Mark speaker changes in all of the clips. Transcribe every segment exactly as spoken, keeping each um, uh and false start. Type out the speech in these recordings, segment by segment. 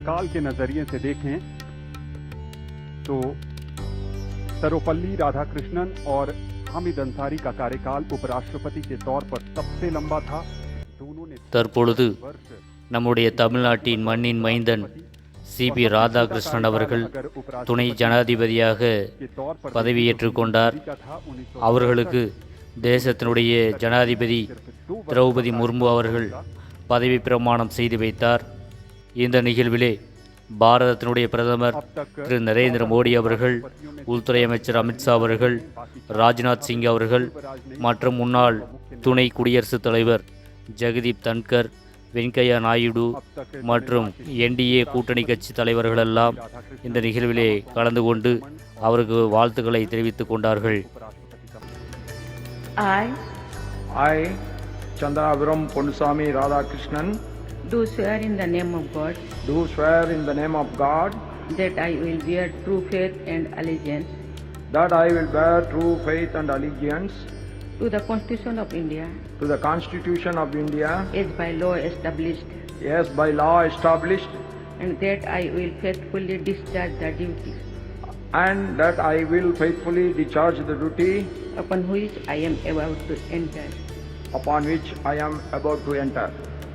Speaker 1: काल के नजरिए से देखें तो सर्वपल्ली राधाकृष्णन और हामिद अंसारी का कार्यकाल उपराष्ट्रपति के तौर पर सबसे लंबा था। दोनों ने
Speaker 2: தற்பொழுது நம்முடைய தமிழ்நாட்டின் மண்ணின் மைந்தன் சிபி ராதாகிருஷ்ணன் அவர்கள் துணை ஜனாதிபதியாக பதவியேற்றுக் கொண்டார். அவர்களுக்கு தேசத்தினுடைய ஜனாதிபதி திரௌபதி முர்மு அவர்கள் பதவி பிரமாணம் செய்து வைத்தார். இந்த நிகழ்விலே பாரதத்தினுடைய பிரதமர் திரு நரேந்திர மோடி அவர்கள், உள்துறை அமைச்சர் அமித்ஷா அவர்கள், ராஜ்நாத் சிங் அவர்கள் மற்றும் முன்னாள் துணை குடியரசுத் தலைவர் ஜெகதீப் தன்கர், வெங்கையா நாயுடு மற்றும் என்டிஏ கூட்டணி கட்சி தலைவர்களெல்லாம் இந்த நிகழ்விலே கலந்து கொண்டு அவருக்கு வாழ்த்துக்களை தெரிவித்துக் கொண்டார்கள்.
Speaker 3: I,
Speaker 4: I, Chandaraviram Ponnusamy Radhakrishnan,
Speaker 3: do swear in the name of God
Speaker 4: do swear in the name of God
Speaker 3: that I will bear true faith and allegiance
Speaker 4: that I will bear true faith and allegiance
Speaker 3: to the Constitution of India
Speaker 4: to the Constitution of India
Speaker 3: as by law established,
Speaker 4: as by law established,
Speaker 3: and that I will faithfully discharge the duty
Speaker 4: and that I will faithfully discharge the duty
Speaker 3: upon which I am about to enter.
Speaker 4: upon which I am about to enter.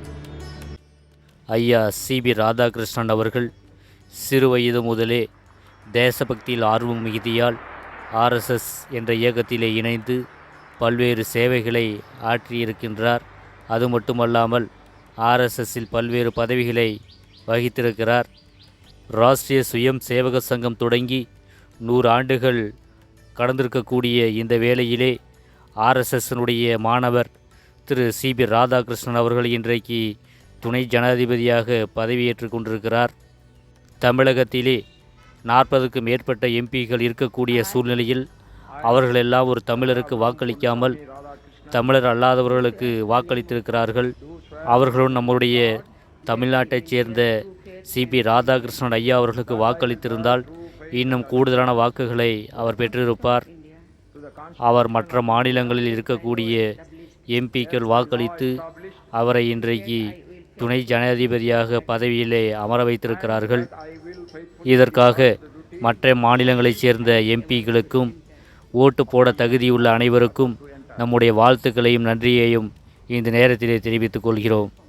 Speaker 2: ஐயா CP Radhakrishnan அவர்கள் சிறு வயது முதலே தேசபக்தியில் ஆர்வம் மிகுதியால் RSS என்ற இயக்கத்திலே இணைந்து பல்வேறு சேவைகளை ஆற்றியிருக்கின்றார். அது மட்டுமல்லாமல் ஆர்எஸ்எஸ்ஸில் பல்வேறு பதவிகளை வகித்திருக்கிறார். ராஷ்டிரிய சுயம் சேவக சங்கம் தொடங்கி நூறு ஆண்டுகள் கடந்திருக்கக்கூடிய இந்த வேளையிலே ஆர்எஸ்எஸ்னுடைய மாணவர் திரு சிபி ராதாகிருஷ்ணன் அவர்கள் இன்றைக்கு துணை ஜனாதிபதியாக பதவியேற்று கொண்டிருக்கிறார். தமிழகத்திலே நாற்பதுக்கும் மேற்பட்ட எம்பிக்கள் இருக்கக்கூடிய சூழ்நிலையில் அவர்களெல்லாம் ஒரு தமிழருக்கு வாக்களிக்காமல் தமிழர் அல்லாதவர்களுக்கு வாக்களித்திருக்கிறார்கள். அவர்களும் நம்முடைய தமிழ்நாட்டைச் சேர்ந்த சிபி ராதாகிருஷ்ணன் ஐயா அவர்களுக்கு வாக்களித்திருந்தால் இன்னும் கூடுதலான வாக்குகளை அவர் பெற்றிருப்பார். அவர் மற்ற மாநிலங்களில் இருக்கக்கூடிய எம்பிக்கள் வாக்களித்து அவரை இன்றைக்கு துணை ஜனாதிபதியாக பதவியிலே அமர வைத்திருக்கிறார்கள். இதற்காக மற்ற மாநிலங்களைச் சேர்ந்த எம்பிக்களுக்கும் ஓட்டு போட தகுதியுள்ள அனைவருக்கும் நம்முடைய வாழ்த்துக்களையும் நன்றியையும் இந்த நேரத்திலே தெரிவித்துக் கொள்கிறோம்.